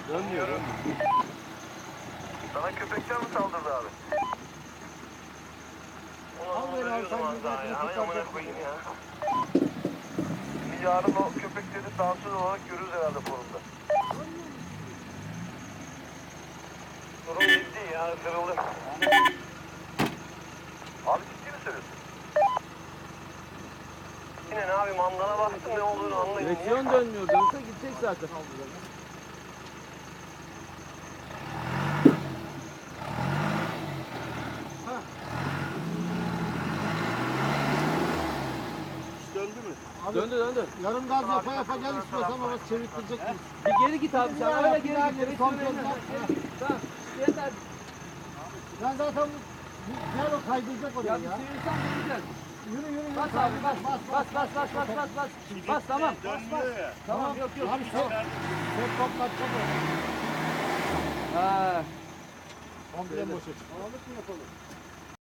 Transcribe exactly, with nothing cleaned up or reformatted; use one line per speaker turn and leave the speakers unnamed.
Dönmüyor.
Sana köpekler mi saldırdı abi?
Al beni al sen yüzüne kurtaracak.
Şimdi yarın o köpekleri dansöz olarak görürüz herhalde forumda. Durum ciddi ya, kırıldı. Abi ciddi mi söylüyorsun? Yine ne abi, mandana baktım ne olduğunu anlayın.
Direksiyon dönmüyor. Dönse gidecek zaten.
Döndü mü?
Abi,
Döndü döndü.
yarım gaz yapa yapa gel istiyorsan ama çevirtirecek miyiz?
Bir geri git abi sen. Öyle geri git.
Geri
Direksiyon
kontrol
önüne.
bak.
Tamam. Yeter.
Ben zaten bu- gel o kaydıracak oraya
Ya
ya.
bir çevirsen döneceğiz.
Yürü yürü yürü.
Bas abi bas. Bas bas bas bas bas bas. Bas, bas tamam.
Dönmüyor ya.
Tamam yok yok.
Abi sen sen toplatacak oraya.
Ha.
Komple boşa çık. Ağırlık mı yapalım?